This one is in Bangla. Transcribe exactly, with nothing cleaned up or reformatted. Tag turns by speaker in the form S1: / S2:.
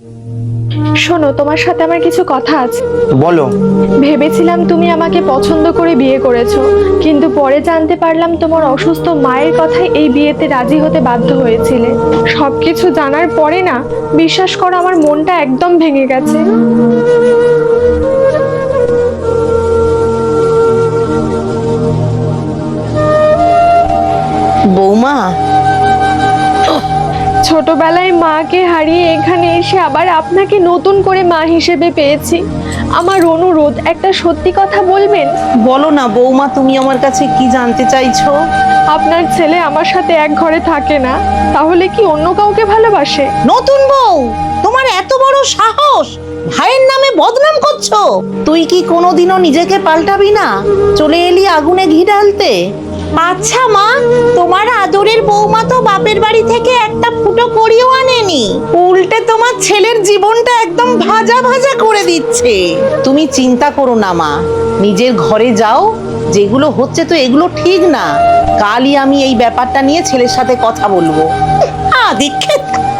S1: শোনো, তোমার সাথে আমার কিছু কথা আছে।
S2: বলো।
S1: ভেবেছিলাম তুমি আমাকে পছন্দ করে বিয়ে করেছো, কিন্তু পরে জানতে পারলাম তোমার অসুস্থ মায়ের কথায় এই বিয়েতে রাজি হতে বাধ্য হয়েছিলে। সবকিছু জানার পরে না, বিশ্বাস করো আমার মনটা একদম ভেঙে গেছে।
S3: বৌমা,
S1: ছোটবেলায় মাকে হারিয়ে এখানে এসে আবার আপনাকে নতুন করে মা হিসেবে পেয়েছি। আমার অনুরোধ, একটা সত্যি কথা বলবেন?
S3: বলো না বৌমা, তুমি আমার কাছে কি জানতে চাইছো?
S1: আপনার ছেলে আমার সাথে এক ঘরে থাকে না, তাহলে কি অন্য কাউকে ভালোবাসে?
S3: নতুন বউ, তোমার এত বড় সাহস! ভাইয়ের নামে বদনাম করছো। তুই কি কোনোদিনও নিজেকে পাল্টাবি না? চলে এলি আগুনে ঘি ঢালতে। আচ্ছা মা, তোমার আদরের বৌমা তো বাপের বাড়ি থেকে একটা ফুটো করিও আনেনি, উল্টে তোমার ছেলের জীবনটা একদম ভাজা ভাজা করে দিচ্ছে। তুমি চিন্তা করো না মা, নিজের ঘরে যাও। যেগুলো হচ্ছে তো এগুলো ঠিক না। কালই আমি এই ব্যাপারটা নিয়ে ছেলের সাথে কথা বলবো। আ দীক্ষিত।